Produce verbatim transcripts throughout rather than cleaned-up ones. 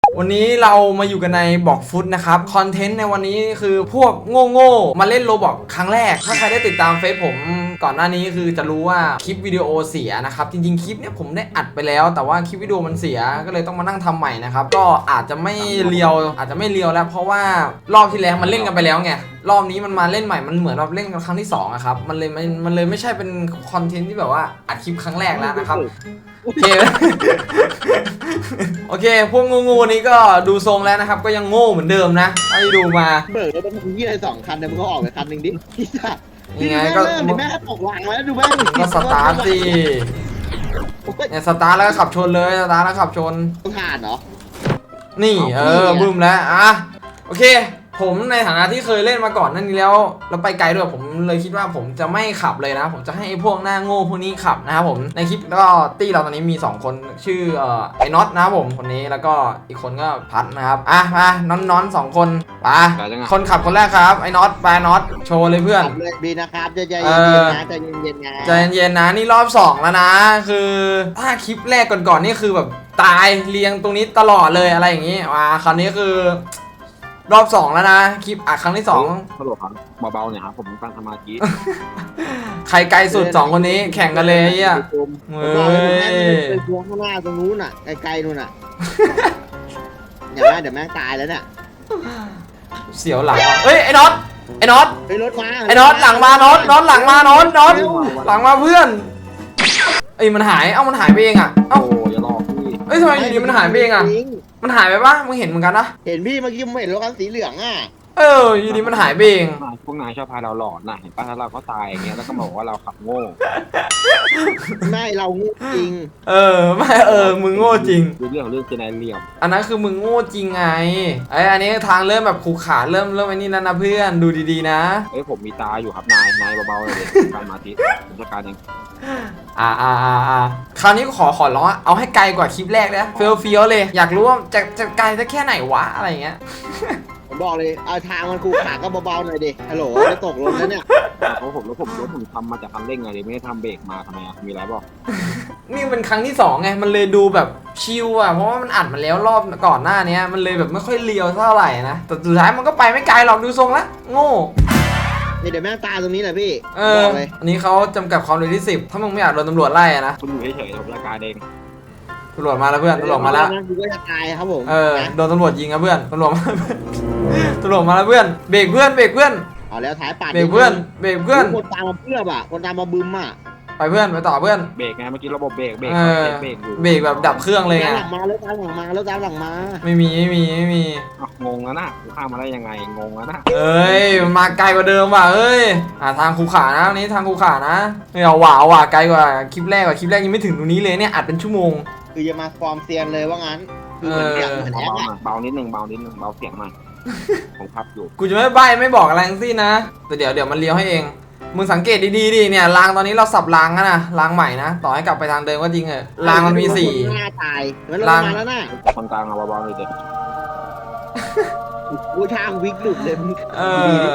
วันนี้เรามาอยู่กันในบอกฟุตนะครับคอนเทนต์ในวันนี้คือพวกโง่ๆมาเล่นโรบอกครั้งแรกถ้าใครได้ติดตามเฟซผมก่อนหน้านี้คือจะรู้ว่าคลิปวิดีโอเสียนะครับจริงๆคลิปเนี้ยผมได้อัดไปแล้วแต่ว่าคลิปวิดีโอมันเสียก็เลยต้องมานั่งทำใหม่นะครับก็อาจจะไม่เรียวอาจจะไม่เรียวแล้วเพราะว่ารอบที่แล้วมันเล่นกันไปแล้วไงรอบนี้มันมาเล่นใหม่มันเหมือนเราเล่นกันครั้งที่สองอะครับมันเลยมันมันเลยไม่ใช่เป็นคอนเทนต์ที่แบบว่าอัดคลิปครั้งแรกแล้วนะครับโอเค โอเคพวกงูๆนี้ก็ดูทรงแล้วนะครับก็ยังโง่เหมือนเดิมนะไอ้ดูมาเบิกแล้วมันยี่อะไรสองคันเนี่ยมึงก็ออกไปคันหนึ่งดิพี่สัตว์ยังไงก็เดี๋ยวแม่ตกวางแล้วดูแม่ก็สตาร์ทสิเนี่ยสตาร์ทแล้วก็ขับชนเลยสตาร์ทแล้วขับชนต้องผ่านเหรอนี่เออบึ้มแล้วอ่ะโอเคผมในฐานะที่เคยเล่นมาก่อนนั่นนี้แล้วแล้วไปไกลด้วยผมเลยคิดว่าผมจะไม่ขับเลยนะผมจะให้พวกหน้าโง่พวกนี้ขับนะครับผมในคลิปก็ตี้เราตอนนี้มีสองคนชื่อเอ่อไอ้น็อตนะครับผมคนนี้แล้วก็อีกคนก็พัดนะครับอ่ะมาน้อนน้อนสองคนไปคนขับคนแรกครับไอ้น็อตไปน็อตโชว์เลยเพื่อนดีนะครับใจเย็นๆนะใจเย็นๆนะใจเย็นๆนะนี่รอบสองแล้วนะคือถ้าคลิปแรกก่อนๆนี่คือแบบตายเรียงตรงนี้ตลอดเลยอะไรอย่างงี้มาคราวนี้คือรอบสองแล้วนะคลิปอ่ะครั้งที่สองฮัลโหลครับเบาๆเนี่ยครับผมตั้งสมาธิใครไกลสุดสองคนนี้แข่งกันเลยไอ่ะเฮ้ยไปพวงข้างหน้าตรงนู้นน่ะไกลๆนู่นน่ะเดี๋ยวแม่เดี๋ยวแม่ตายแล้วเนี่ยเสียวหลังเฮ้ยไอ้น็อตไอ้น็อตไอ้รถมาไอ้น็อตหลังมาน็อตน็อตหลังมาน็อตน็อตหลังมาเพื่อนไอ้มันหายเอ้ามันหายไปเองอ่ะเอ้าอย่าหลอกพี่เอ้ยทำไมอยู่ดีมันหายไปเองอ่ะมันหายไปปะมึงเห็นเหมือนกันนะเห็นพี่เมื่อกี้มึงเห็นรถคันสีเหลืองอ่ะเอออยู่ดีมันหายไปเองพวกนายชอบพาเราหลอนนะเห็นป่ะถ้าเราก็ตายอย่างเงี้ยแล้วก็บอกว่าเราขับโง่ไม่เราโง่จริงเออไม่เออมึงโง่จริงเรื่องเรื่องเจนายเรียมอันนั้นคือมึงโง่จริงไงไอ้อันนี้ทางเริ่มแบบขูขาเริ่มเริ่มไอ้นี่แล้วนะเพื่อนดูดีๆนะเอ้ยผมมีตาอยู่ครับนายนายเบาๆเลยการมาทิผมจัดการเองอ่าอ่าอ่าอ่าคราวนี้ขอขอร้องเอาให้ไกลกว่าคลิปแรกนะเฟี้ยวเฟี้ยวเลยอยากรู้ว่าจะจะไกลสักแค่ไหนวะอะไรเงี้ยผมบอกเลยเอาทางมันขูขาก็เบาๆหน่อยดิฮัลโหลจะตกรถแล้วเนี่ยเพราะผมแล้วผมรถผมทำมาจากคันเร่งไงเลยไม่ได้ทำเบรกมาทำไมอ่ะมีอะไรบอกนี่เป็นครั้งที่สองไงมันเลยดูแบบชิลอ่ะเพราะว่ามันอัดมาแล้วรอบก่อนหน้านี้มันเลยแบบไม่ค่อยเลียวเท่าไหร่นะแต่สุดท้ายมันก็ไปไม่ไกลหรอกดูทรงละโง่นี่เดี๋ยวแม่ตาตรงนี้แหละพี่เอออันนี้เขาจำกัดความเร็วที่สิบถ้ามึงไม่อยากโดนตำรวจไล่อะนะคุณอยู่เฉยๆผมจัดการเองตำรวจมาแล้วเพื่อนตำรวจมาแล้วกูก็จะตายครับผมเออโดนตำรวจยิงครับเพื่อนตำรวจมาตำรวจมาแล้วเพื่อนเบรกเพื่อนเบรกเพื่อนเอาแล้วท้ายปาดเบรกเพื่อนเบรกเพื่อนคนตามมาเพื่อนอ่ะคนตามมาบึ้มอ่ะไปเพื่อนไปต่อเพื่อนเบรกไงเมื่อกี้ระบบเบรกเบรกเบรกอยู่เบรกแบบดับเครื่องเลยไงหลังมาแล้วตามหลังมาแล้วตามหลังมาไม่มีไม่มีไม่มีงงแล้วนะกูข้ามมาได้ยังไงงงแล้วนะเอ้ยมันมาไกลกว่าเดิมว่ะเอ้ยอ่าทางคูขานะนี้ทางคูขานะไม่เอาว่ะว่ะไกลกว่าคลิปแรกกว่าคลิปแรกยังไม่ถึงตรงนี้เลยเนี่ยอัดเป็นชั่วโมงคือจะมาฟอร์มเซียนเลยว่างั้นคือเหมือนอย่างเหมือนแอคอะเบานิดนึงเบานิดนึงเบาเสียงหน่อยผมพับอยู่กูจะไม่ใบ้ไม่บอกอะไรทั้งสิ้นนะแต่เดี๋ยวเดี๋ยวมันเลี้ยวให้เองมึงสังเกตดีๆดิเนี่ยรางตอนนี้เราสับรางกันนะรางใหม่นะต่อให้กลับไปทางเดิมก็จริงเหรอรางมันมีสี่หน้าตายรางมาแล้วนะคนกลางเอาเบาๆเลยเด็กกูช่างวิกหลุดเลยเออ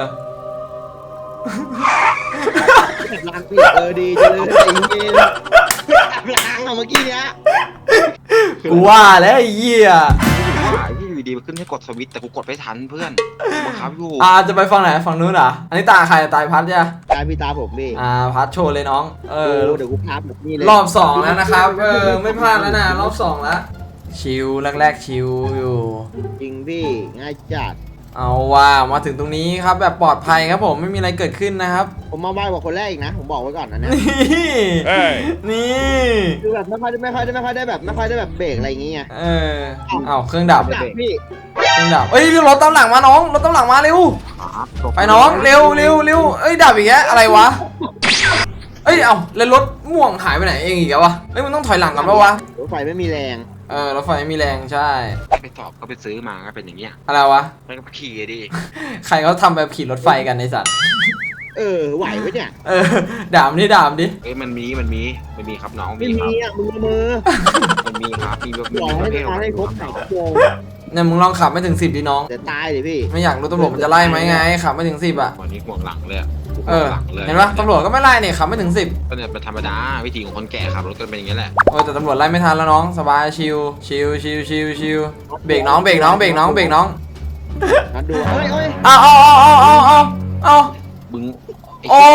รางปิดเออดีจังเลยไอ้เงี้ยรางเมื่อกี้เนี้ยกูว่าแล้วไอ้เหี้ยที่อยู่ดีมันขึ้นให้กดสวิตช์แต่กูกดไม่ทันเพื่อนบังคับอยู่อ่าจะไปฝั่งไหนฝั่งนู้นเหรออันนี้ตาใครตาพัดจ้ะตาพี่ตาผมพี่อ่าพัดโชว์เลยน้องเออเดี๋ยวกูพับแบบนี้เลยรอบสองแล้วนะครับเออไม่พลาดแล้วนะรอบสองแล้วชิลแรกๆชิลอยู่จริงพี่ง่ายจัดเอาว่ามาถึงตรงนี้ครับแบบปลอดภัยครับผมไม่มีอะไรเกิดขึ้นนะครับผมมาไวกว่าคนแรกอีกนะผมบอกไว้ก่อนนะเนี่ยนี่คือแบบไม่ค่อยไม่ค่อยได้ไม่ค่อยได้แบบไม่ค่อยได้แบบเบรกอะไรอย่างเงี้ยเออเอาเครื่องดับพี่เครื่องดับเอ้ยรถตามหลังมาน้องรถตามหลังมาเร็วไปน้องเร็วเร็วเร็วเอ้ยดับอีกแล้วอะไรวะเอ้ยเอาแล้วรถม่วงหายไปไหนเองอีกแล้ววะเอ้ยมันต้องถอยหลังกันปะวะรถไฟไม่มีแรงเออรถไฟไม่มีแรงใช่ไปสอบก็ไปซื้อมาก็เป็นอย่างเงี้ยอะไรวะไปก็ขี่ดิใครเขาทำแบบขี่รถไฟกันในสัตว์เออไหวไหมเนี่ยเออด่ามดิด่ามดิเอ้ยมันมีมันมีมันมีครับน้องไม่มีอ่ะมือมือมันมีครับมีแบบมีประเภทให้ครบสามชั่วโมงเนี่ยมึงลองขับไม่ถึงสิบดิน้องแต่ตายดิพี่ไม่อยากรู้ตำรวจมันจะไล่ไหมไงขับไม่ถึงสิบอ่ะวันนี้ห่วงหลังเลยเออหลังเลยเห็นปะตำรวจก็ไม่ไล่เนี่ยขับไม่ถึงสิบก็เนี่ยเป็นธรรมดาวิธีของคนแก่ขับรถก็เป็นอย่างนี้แหละโอ้ยแต่ตำรวจไล่ไม่ทันแล้วน้องสบายชิวชิวชิวชิวชิวเบรกน้องเบรกน้องเบรกน้องเบรกน้องนัดดูเฮ้ยเฮ้ยเอาเอาเอาเอาเอาเอาเอาบึ้งโอ้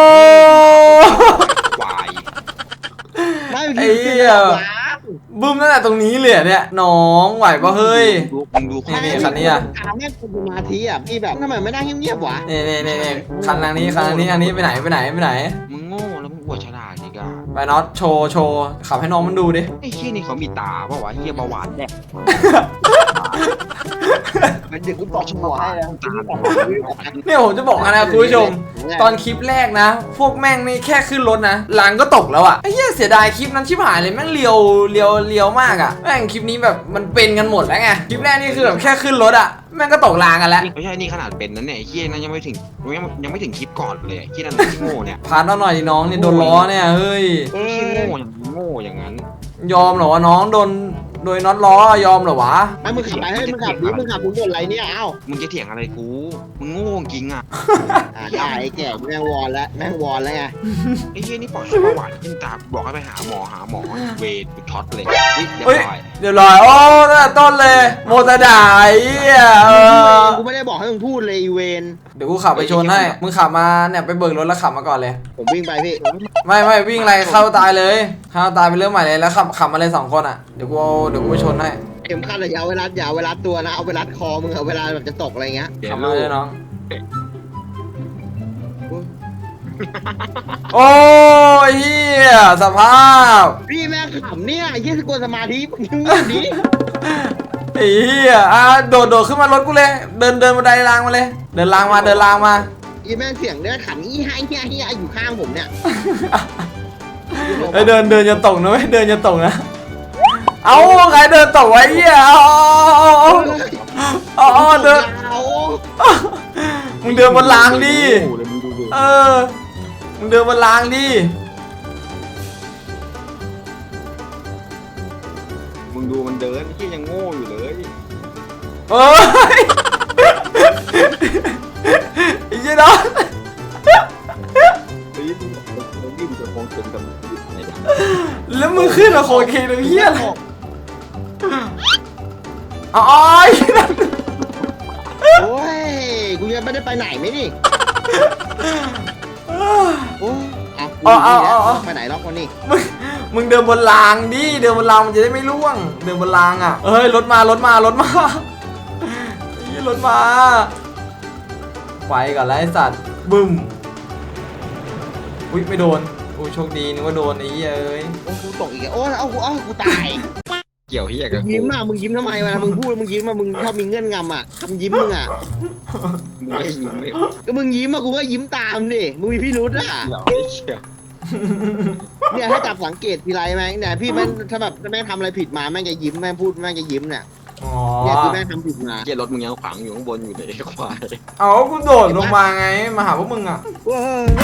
ควายไม่ไอ้พี่เหี้ยบึ้มตั้งแต่ตรงนี้เลยอะเนี่ยน้องไหวปะเฮ้ยดูมึงดูนี่นี่คันนี้อะถามแม่คนสมาธิอ่ะพี่แบบทำไมไม่นั่งเงียบๆวะนี่นี่นี่นี่คันทางนี้คันทางนี้อันนี้ไปไหนไปไหนไปไหนมึงโง่แล้วมึงอวดฉลาดอีกอ่ะไปน็อตโชว์โชว์ขับให้น้องมันดูดิไอ้เหี้ยนี่เขามีตาเปล่าวะเหี้ยเบาหวานแดกมันดึกกูบอกหัวให้แล้วตาเนี่ยผมจะบอกนะคุณผู้ชม ตอนคลิปแรกนะ พวกแม่งนี่แค่ขึ้นรถนะหลังก็ตกแล้วอะไอ้เหี้ยเสียดายคลิปนั้นชิบหายเลยแม่งเลียวเลียวเลียวมากอะแม่งคลิปนี้แบบมันเป็นกันหมดแล้วไงคลิปแรกนี่คือแบบแค่ขึ้นรถอะแม่งก็ตกรางกันแล้วไม่ใช่นี่ขนาดเป็นนั้นเนี่ยไอ้เหี้ยนั้นยังไม่ถึงยังยังไม่ถึงคลิปก่อนเลยไอ้เหี้ยนั่นที่โง่เนี่ยพาน้องหน่อยดิน้องนี่โดนล้อเนี่ยเฮ้ยเอไอ้อเหี้ยโง่อย่างโง่อย่างนั้นยอมเหรอวะน้องโดนโดยน็อตล้อยอมเหรอวะไอ้มึงขับไปให้มึงขับดิมึงขับมึงบ่นอะไรเนี่ยเอ้ามึงจะเถียงอะไรกูมึงโง่จริงอ่ะอ่าได้ไอ้แก่แม่งวอนแล้วแม่งวอนแล้วไงไอ้เหี้ยนี่ปล่อยให้เบาหวานขึ้นตาบอกให้ไปหาหมอหาหมอเวทกูช็อตเลยเฮ้ยเรียบเฮ้ยร้อยเดี๋ยวรอยโอ้ตั้งแต่ต้นเลยโมตะด่าไอ้เหี้ยเออกูไม่ได้บอกให้มึงพูดเลยอีเวนเดี๋ยวกูขับไปชนให้มึงขับมาเนี่ยไปเบิกรถแล้วขับมาก่อนเลยผมวิ่งไปพี่ไม่ไม่วิ่งอะไรเข้าตายเลยเข้าตายไปเรื่องใหม่เลยแล้วขับขับมาเลยสองคนอ่ะเดี๋ยวกูเอาเดี๋ยวกูไปชนให้เข็มขัดอย่าเอาเวลาอย่าเอาเวลาตัวนะเอาเวลาคอมึงเอาเวลาแบบจะตกอะไรเงี้ยเดี๋ยขัวบมาลูเลกยน้องโอ้ยเฮียสภาพพี่แม่งขำเนี่ยไอ้เหี้ยสกวนสมาธิมึงเงียบดิไอ้เฮียอ่ะโดดโดดขึ้นมารถกูเลย เดินเดินบันไดรางมาเลย เดินรางมาเดินรางมาอีแม่งเสียงเนื้อขันอีไฮเฮียเฮียอยู่ข้างผมเนี่ยไอ้ยเดินเดินอย่าตกนะเว้ยเดินอย่าตกนะเอาใครเดินตกไว้เฮียเอาเอาเอาเอาเอาเดินเอามึงเดินบนรางดิโอ้โหเลยมึงดูดูเออ มึงเดินบนรางดิมึงดูมันเดินที่ยังโง่อยู่เลยเอ้ยไอ้เหี้ยน้องเฮ้ยมึงมึงยิ่งจะคงเป็นกับไหนเนี่ยแล้วมึงขึ้นมาโคเคนเหี้ยอะไรอ๋อไอ้เหี้ยโอ้ยกูยังไม่ได้ไปไหนไหมนี่โอ้เอาไปไหนล็อกคนนี้มึงมึงเดินบนรางดิเดินบนรางมันจะได้ไม่ร่วง เดินบนรางอ่ะเอ้ยรถมารถมารถมาไอ้เหี้ยรถมาไปก่อนแล้วไอ้สัตว์บึ้มอุ้ยไม่โดนอุ้ยโชคดีนึกว่าโดนไอ้เหี้ยเอ้ยโอ้กูตกอีกโอ้เอากูเอากูตายเกี่ยวเฮียกับกูยิ้มอ่ะมึงยิ้มทำไมวะมึงพูดมึงยิ้มอ่ะมึงชอบมีเงื่อนงำอ่ะทำยิ้มมึงอ่ะมึงไม่มึงไม่ก็มึงยิ้มอ่ะกูก็ยิ้มตามดิมึงมีพี่รุธอ่ะเกี่ยวไอ้เชี่ยเนี่ยให้จับสังเกตทีไรแม่งเนี่ยพี่แม่งถ้าแบบแม่งทำอะไรผิดมาแม่งจะยิ้มแม่งพูดแม่งจะยิ้มเนี่ยอ๋อเนี่ยคือแม่งทำผิดมาเกียรถมึงยังขวางอยู่ข้างบนอยู่เลยไอ้ควายเอากูโดดลงมาไงมาหาพวกมึงอ่ะว้า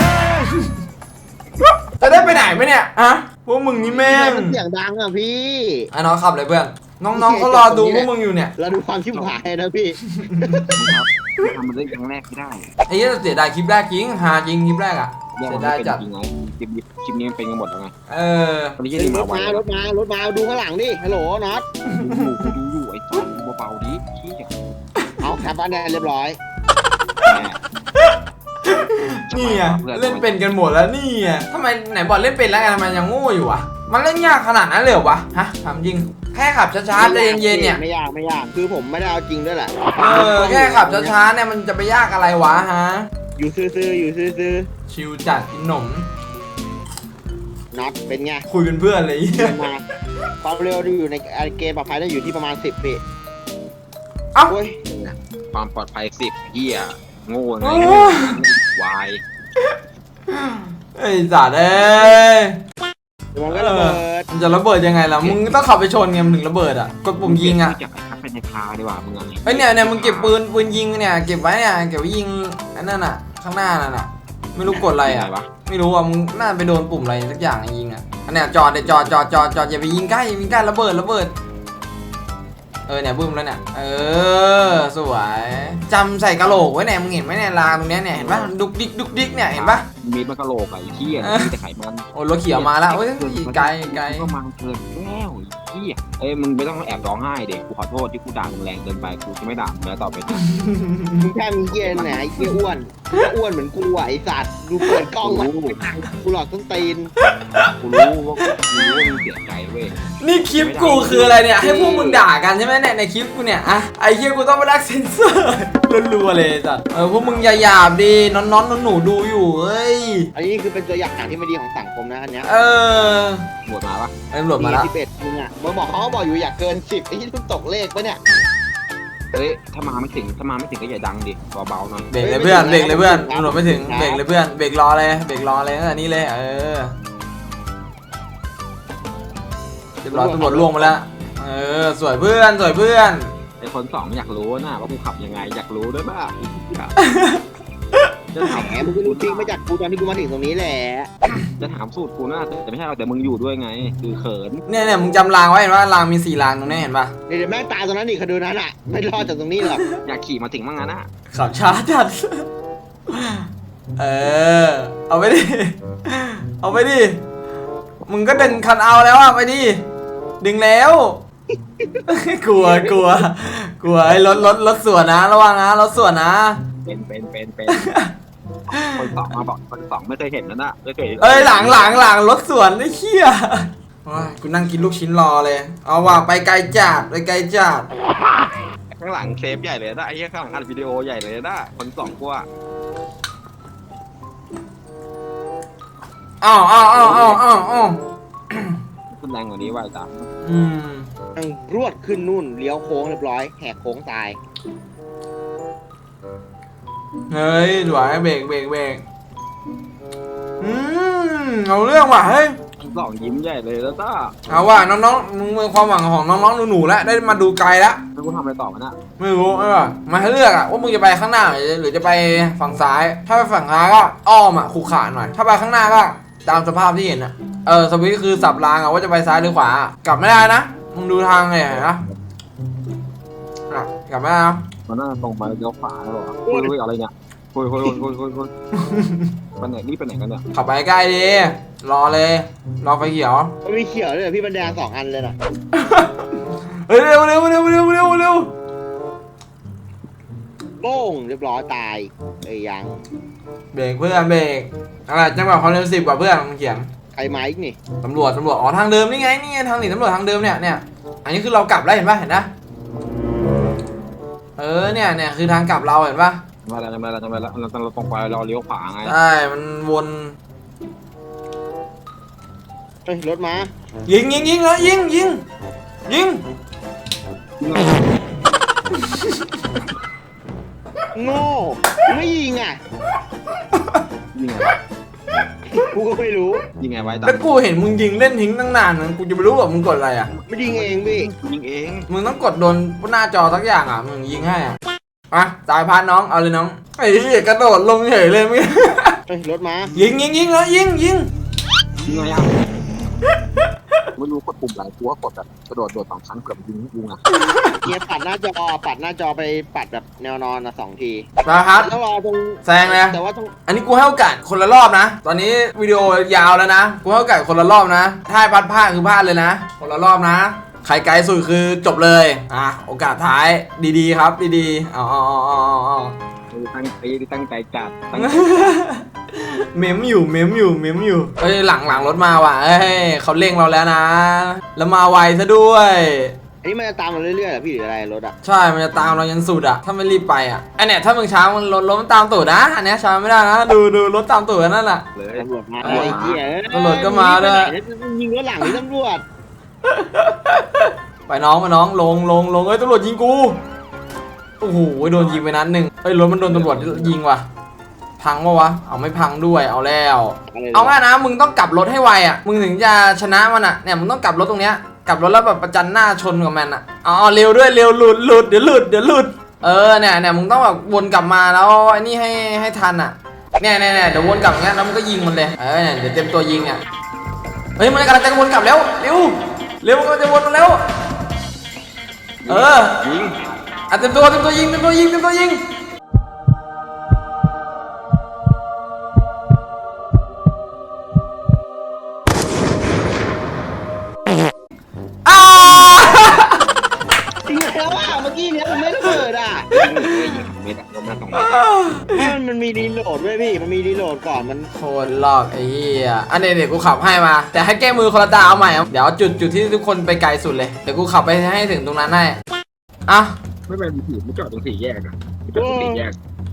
จะได้ไปไหนไหมเนี่ยอะพวกมึงนี่แม่งมันเสียงดังอ่ะพี่ไอ้น้องขับเลยเพื่อน น้องๆเขารอดูพวกมึงอยู่เนี่ยเราดูความชิบหายนะพี่ทำมันได้ครั้งแรกไม่ได้ไอ้เหี้ยเสียดายคลิปแรกจริงหาจริงคลิปแรกอ่ะแยกเสีมัยนดายไม่เป็นจัดจริงไงคลิปนี้คลิปนี้มันเป็นกันหมดแล้วไงเออตอนนี้รที่ถมาไวมารถมารถมาดูข้างหลังดิฮัลโหลน็อตกูดูอยู่ไอ้จ้าเบาๆดิขี้เกียจเอาแคปอันเนี่ยเรียบร้อยนี่ไงเล่นเป็นกันหมดแล้วนี่ไงทำไมไหนบอกเล่นเป็นแล้วไงทำไมยังโง่อยู่วะมันเล่นยากขนาดนั้นเลยเหรอวะฮะถามจริงแค่ขับช้าๆใจเย็นๆเนี่ยไม่ยากไม่ยากคือผมไม่ได้เอาจริงด้วยแหละเออแค่ขับช้าๆเนี่ยมันจะไปยากอะไรวะฮะอยู่ซื่อๆอยู่ซื่อชิวจัดกินหนมๆน็อตเป็นไงคุยเป็นเพื่อนเลยมาความเร็วอยู่ในเกมปลอดภัยได้อยู่ที่ประมาณสิบปีเอ้าโอ้ยความปลอดภัยสิบเฮียโง่ไงวายไอ้สัตว์เอ้ยมันก็ระเบิดมันจะระเบิดยังไงล่ะ มึงต้องขับไปชนไงมันถึงระเบิดอ่ะ กดปุ่มยิงอ่ะอยากไปทับไปในคาดีกว่ามึงไงเฮ้ยเนี่ยเนี่ยมึงเก็บปืนปืนยิงเนี่ย เก็บไว้เนี่ย เก็บไว้ยิงอันนั้นอ่ะ ข้างหน้านั่นอ่ะ ไม่รู้กดอะไรอ่ะวะไม่รู้อ่ะ มึงน่าไปโดนปุ่มอะไรสักอย่างยิงอ่ะ อันเนี้ยจอดเดี๋ยวจอดจอดจอดจอดอย่าไปยิงใกล้อย่าไปยิงใกล้ระเบิดระเบิดเออเนี่ยบึ้มแล้วเนี่ยเออสวยจำใส่กะโหลกไว้เนี่ยมึงเห็นไหมเนี่ยรางตรงเนี้ยเนี่ยเห็นปะดุกดิกดุกดิกเนี่ยเห็นปะมีมันกระโหลกอะไอ้เหี้ยมีแต่ไขมันโอ้รถเขียวมาแล้วโอ้ยไกลไกลก็มาเกินแล้วไอ้เหี้ยเอ้ยมึงไม่ต้องแอบร้องไห้เด็กกูขอโทษที่กูด่ามึงแรงเกินไปกูจะไม่ด่ามึงแล้วต่อไปมึงแค่มีเหี้ยไหนไอ้เหี้ยอ้วนอ้วนเหมือนกูอ่ะไอ้สัตว์ดูเปิดกล้องมาไม่ทันกูหลอกต้นตีนกูรู้ว่ากูรู้ว่ามึงเสียใจเว้ยนี่คลิปกูคืออะไรเนี่ยให้พวกมึงด่ากันใช่ไหมเนี่ยในคลิปกูเนี่ยอะไอ้เหี้ยกูต้องไปรักเซนเซอร์รัวๆเลยจ้ะเออพวกมึงอย่าหยาบดิน้อนๆหนูๆดูอยู่เฮ้ยอันนี้คือเป็นตัวอย่างที่ไม่ดีของสังคมนะอันเนี้ยเออหมดมาปะไอ้ตำรวจมาแล้วสิบเอ็ดมึงอ่ะมึงบอกเขาบอกอยู่อยากเกินสิบไอ้ที่ต้องตกเลขปะเนี่ยเอ้ยถ้ามาไม่ถึงถ้ามาไม่ถึงก็อย่าดังดิเบาๆหน่อยเบรกเลยเพื่อนเบรกเลยเพื่อนตำรวจไม่ถึงเบรกเลยเพื่อนเบรกรอเลยเบรกรอเลยตั้งแต่นี้เลยเออเรียบร้อยตำรวจล่วงมาแล้วเออสวยเพื่อนสวยเพื่อนไอ้คนสองอยากรู้นะว่ากูขับยังไงอยากรู้ด้วยป่ะจะถามแหมมึงก็รู้จริงมาจากกูตอนที่กูมาถึงตรงนี้แหละจะถามสูตรกูนะแต่ไม่ใช่เราแต่มึงอยู่ด้วยไง คือเขินเนี่ยเนี่ยมึงจำรางไว้เห็นว่ารางมีสี่รางตรงนี้เห็นปะเดี๋ยวแม่งตายตรงนั้นอีกคดีนั้นอ่ะไม่รอดจากตรงนี้หรอกอยากขี่มาถึงมั่งงั้นนะขับช้าจัดเออเอาไปดิเอาไปดิมึงก็ดึงคันเอาแล้วอะไปดิดึงแล้ว กลัวกลัวกลัวไอ้รถรถรถสวนนะระวังนะรถสวนนะเป็นเป็นเป็นเป็นคนสองมาบอกคนสองไม่เคยเห็นนะนะไม่เคยเอ้ยหลังหลังหลังรถสวนไอ้เหี้ยโอ้ยกูนั่งกินลูกชิ้นรอเลยเอาว่ะไปไกลจัดไปไกลจัดข้างหลังเซฟใหญ่เลยนะไอ้ข้างหลังอัดวิดีโอใหญ่เลยนะคนสองกูอะอ้าวอ้าวอ้าวอ้าวอ้าวอ้าวขึ้นแรงกว่านี้ว่าจ้ะอืมนั่งรวดขึ้นนู่นเลี้ยวโค้งเรียบร้อยแหกโค้งตายเฮ้ยสวยเบรกเบรกเบรกอืมเอาเรื่องว่ะเฮ้ยคนสองยิ้มใหญ่เลยแล้วจ้าเอาว่ะน้องๆมึงเป็นความหวังของน้องๆหนูๆแล้วได้มาดูไกลแล้วแล้วกูทำอะไรต่อมาน่ะไม่รู้ไม่ว่ามาให้เลือกอะว่ามึงจะไปข้างหน้าหรือจะไปฝั่งซ้าย ถ้าไปฝั่งซ้ายก็อ้อมอะขู่ขาหน่อยถ้าไปข้างหน้าก็ตามสภาพที่เห็นอะเออสวิตช์คือสับรางอะว่าจะไปซ้ายหรือขวากลับไม่ได้นะมึงดูทางไงนะอ่ะกลับไม่ได้นะมันน่าตรงไปเลี้ยวขวาแล้วหรอคุยคุยอะไรเนี่ยคุยคุยคุยคุยคุยคุยไปไหนนี่ไปไหนกันเนี่ยขับไปใกล้ดีรอเลยรอไฟเขียวมันมีเขียวเลยพี่บรรดาสองอันเลยนะเฮ้ยเร็วเร็วเร็วเร็วเร็วเร็วโป้งเรียบร้อยตายเอ้ยยังเบรกเพื่อนเบรกอะไรจังหวะความเร็วสิบกว่าเพื่อนมันเขียนใครมาอีกนี่ตำรวจตำรวจอ๋อทางเดิมนี่ไงนี่ไงทางหนีตำรวจทางเดิมเนี่ยเนี่ยอันนี้คือเรากลับแล้วเห็นป่ะเห็นนะเออเนี่ยเนี่ยคือทางกลับเราเห็นป่ะทำไมล่ะทำไมล่ะทำไมล่ะเราเราตรงไปเราเลี้ยวขวาไงใช่มันวนเฮ้ยรถมายิงยิงยิงแล้วยิงยิงยิงโง่ไม่ยิงอ่ะยิงไงกูก็ไม่รู้ยิงไงไว้ตาแล้วกูเห็นมึงยิงเล่นทิ้งตั้งนานนะกูจะไปรู้ว่ามึงกดอะไรอ่ะไม่ยิงเองพี่ยิงเองมึงต้องกดโดนหน้าจอสักอย่างอ่ะมึงยิงให้อ่ะอ่ะสายพานน้องเอาเลยน้องไอ้ที่กระโดดลงเฉยเลยมึงเฮ้ยรถมายิงยิงยิงแล้วยิงยิงยิงไงอ่ะไม่รู้กดปุ่มไหนกูก็กดแบบกระโดดโดดสองชั้นเกือบยิงกูไงเกียร์ปัดหน้าจอปัดหน้าจอไปปัดแบบแนวนอนนะสองทีมาครับแล้วรอตรงแซงเลยแต่ว่าต้องอันนี้กูให้โอกาสคนละรอบนะ ตอนนี้วิดีโอยาวแล้วนะ กูให้โอกาสคนละรอบนะ ถ้าให้พัดพลาดคือพลาดเลยนะ คนละรอบนะ ใครไกลสุดคือจบเลย อ่ะ โอกาสท้ายดีๆครับดีๆเอาเอาเอาเอาเอาตั้งใจตั้งใจจัดตั้งเมมอยู่เมมอยู่เมมอยู่เอ้ยหลังหลังรถมาว่ะเอ้ยเขาเร่งเราแล้วนะ แล้วมาไวซะด้วยอันนี้มันจะตามเราเรื่อยๆเหรอพี่หรืออะไรรถอ่ะใช่ มันจะตามเรายันสุดอะถ้าไม่รีบไปอะไอเนี่ยถ้ามึงช้ามันรถรถมันตามตูดนะ อันเนี้ยช้าไม่ได้นะ ดูดูรถตามตูดนั่นแหละเลยตำรวจมาเออไอ้เหี้ยตำรวจก็มาด้วยยิงรถหลังนี่ตำรวจไปน้องมาน้องลงลงลงเอ้ยตำรวจยิงกูโอ้โหโดนยิงไปนัดหนึ่งเอ้ยรถมันโดนตำรวจยิงว่ะพังปะวะเอาไม่พังด้วยเอาแล้วเอาง่ายนะมึงต้องกลับรถให้ไวอ่ะมึงถึงจะชนะมันอ่ะเนี่ยมึงต้องกลับรถตรงเนี้ยกลับรถแล้วแบบประจันหน้าชนกับมันอ่ะอ๋อเร็วด้วยเร็วหลุดหลุดเดี๋ยวหลุดเดี๋ยวหลุดเออเนี่ยเนี่ยมึงต้องแบบวนกลับมาแล้วไอ้นี่ให้ให้ทันอ่ะเนี่ยเนี่ยเนี่ยเดี๋ยววนกลับอย่างเงี้ยแล้วมึงก็ยิงมันเลยเออเนี่ยเดี๋ยวเต็มตัวยิงอ่ะเฮ้ยมันกำลังจะวนกลับแล้วเร็วเร็วมันกำลังจะวนมาแล้วเออยิงอ่ะเต็มตัวเต็มตัวยิงเต็มตัวยิงเต็มตัวยิงอ้าจริงแล้วว่าเมื่อกี้เนี้ยมันไม่ระเบิดอ่ะยิงเลยยิงเม็ดอะลงมาตรงนี้มันมันมีรีโหลดด้วยพี่มันมีรีโหลดก่อนมันโคตรหลอกไอ้เหี้ยอันนี้เดี๋ยวกูขับให้มาแต่ให้แก้มือคนละตาเอาใหม่เอาเดี๋ยวจุดจุดที่ทุกคนไปไกลสุดเลยเดี๋ยวกูขับไปให้ถึงตรงนั้นให้อ่ะไม่เป็นผีไม่จอดตรงสี่แยกอะไม่จอดตรงสี่แยก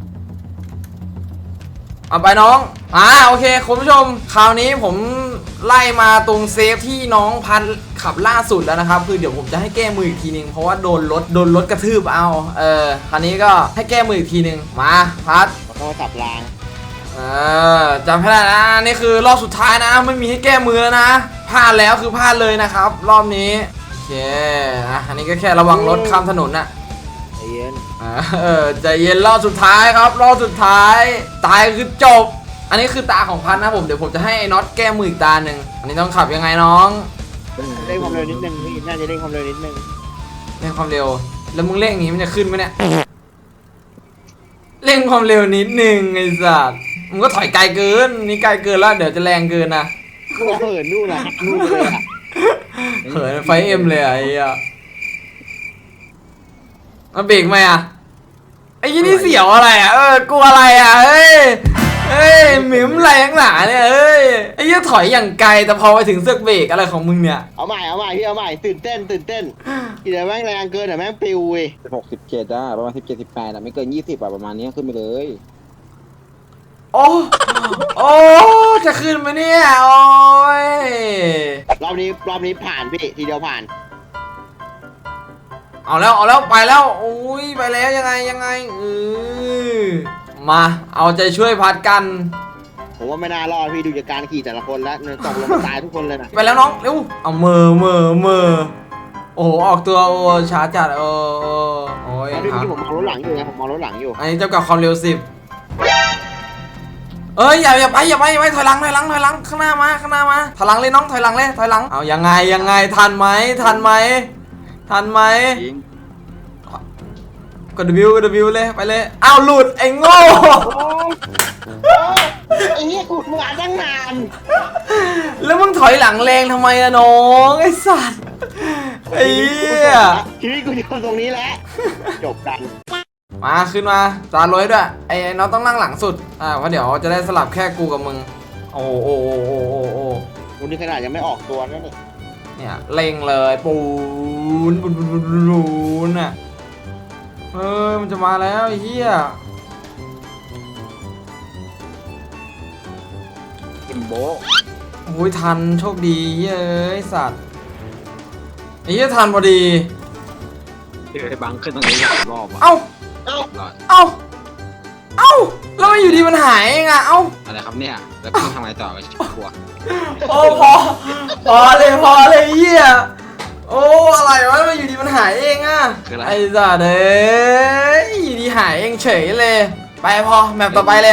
เอาไปน้องอ่าโอเคคุณผู้ชมคราวนี้ผมไล่มาตรงเซฟที่น้องพันขับล่าสุดแล้วนะครับคือเดี๋ยวผมจะให้แก้มืออีกทีนึงเพราะว่าโดนรถโดนรถกระทืบเอาเออคราวนี้ก็ให้แก้มืออีกทีนึงมาพัดโทรศัพท์รางเออจำให้ได้นะนี่คือรอบสุดท้ายนะไม่มีให้แก้มือแล้วนะพลาดแล้วคือพลาดเลยนะครับ รอบนี้โอเคอ่ะอันนี้ก็แค่ระวังรถข้ามถนนนะใจเย็นเออใจเย็นรอบสุดท้ายครับรอบสุดท้าย ตายคือจบ อันนี้คือตาของพันนะผมเดี๋ยวผมจะให้น็อตแก้มืออีกตาหนึ่งอันนี้ต้องขับยังไงน้องเร่งความเร็วนิดนึงพี่น่าจะเร่งความเร็วนิดนึงเร่งความเร็วแล้วมึงเร่งอย่างนี้มันจะขึ้นไหมเนี่ยเร่งความเร็วนิดนึงไอ้สัสมึงก็ถอยไกลเกินนี่ไกลเกินแล้วเดี๋ยวจะแรงเกินนะกูเหินนู่นนะนู่นเลยอ่ะเหินไฟเอ็มเลยอะไอ้เหี้ยมาเบรกไหมอะไอ้ยี่นี่เสียวอะไรอะเออกลัวอะไรอะเฮ้ยเฮ้ยหมิมอะไรข้างหนาเนี่ยเฮ้ยไอ้ยี่ถอยอย่างไกลแต่พอไปถึงเสือกเบรกอะไรของมึงเนี่ยเอาใหม่เอาใหม่พี่เอาใหม่ตื่นเต้นตื่นเต้นเดี๋ยวแม่งแรงเกินเดี๋ยวแม่งปิวเว้ยหกสิบเจ็ดอะประมาณสิบเจ็ดสิบแปดอะไม่เกินยี่สิบอะประมาณนี้ขึ้นไปเลยโอ้โอ้จะขึ้นไหมเนี่ยโอ้ยรอบนี้รอบนี้ผ่านพี่ทีเดียวผ่านเอาแล้วเอาแล้วไปแล้วโอ้ยไปแล้วยังไงยังไงเออมาเอาใจช่วยพัดกันผมว่าไม่น่ารอดพี่ดูจากการขี่แต่ละคนแล้วเนี่ยตกลงมาตายทุกคนเลยนะไปแล้วน้องเร็วเอามือมือมือโอ้โหออกตัวโอ้ช้าจัดโอ้โอ้โอ้ยแล้วพี่ครัเมื่อกี้บผมมองรถหลังอยู่ไงผมมองรถหลังอยู่อันนี้เจ้ากับความเร็วสิบเอ้ยอย่าอย่าไปอย่าไปอย่าไปถอยหลังถอยหลังถอยหลังข้างหน้ามาข้างหน้ามาถอยหลังเลยน้องถอยหลังเลยถอยหลังเอายังไงยังไงทันไหมทันไหมทันไหมยิงกดวิวกดวิวเลยไปเลยอ้าวหลุดไอ้โง่ไอ้เหี้ยกูมาตั้งนานแล้วมึงถอยหลังแรงทำไมอะน้องไอ้สัตว์ไอ้เหี้ยชีวิตกูอยู่ตรงนี้แหละจบกันมาขึ้นมาจานรวยด้วยไอ้ไอ้น้องต้องนั่งหลังสุดอ่าเพราะเดี๋ยวจะได้สลับแค่กูกับมึงโอ้โอ้โอ้โอ้โอ้โอ้วันนี้ขนาดยังไม่ออกตัวนั่นนี่เนี่ยเล็งเลยปูนปูนปูนปูนปูนอ่ะเฮ้ยมันจะมาแล้วไอ้เหี้ยกิมโบโอ้ยทันโชคดีเย้ยสัตว์ไอ้เหี้ยทันพอดีเจอไอ้บังขึ้นตรงนี้สามรอบอะเอ้าเอ้ารอดเอ้าเอ้าแล้วมันอยู่ดีมันหายเองอะเอ้าอะไรครับเนี่ยแล้วพี่ทำไงต่อไปชิบกลัวโอ้พอพอเลยพอเลยเหี้ยโอ้อะไรวะมันอยู่ดีมันหายเองอะคืออะไรไอ้สัตว์เอ้ยอยู่ดีหายเองเฉยเลย ไปพอแมปต่อไปเลย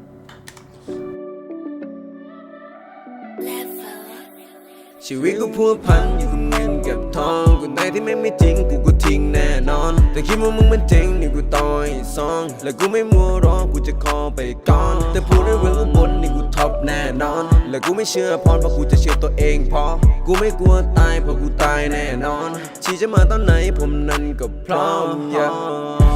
ชีวิตกูพัวพันอยู่กับเงินกับทองกูไหนที่ไม่ไม่จริงกูก็ทิ้งแน่นอนแต่คิดว่ามึงมันจริงนี่กูต่อยซองและกูไม่มัวรอกูจะขอไปก่อนแต่พูดได้เรื่องข้างบนนี่กูท็อปแน่นอนและกูไม่เชื่อพรเพราะกูจะเชื่อตัวเองพอกูไม่กลัวตายเพราะกูตายแน่นอนชีจะมาตอนไหนผมนั้นก็พร้อม yeah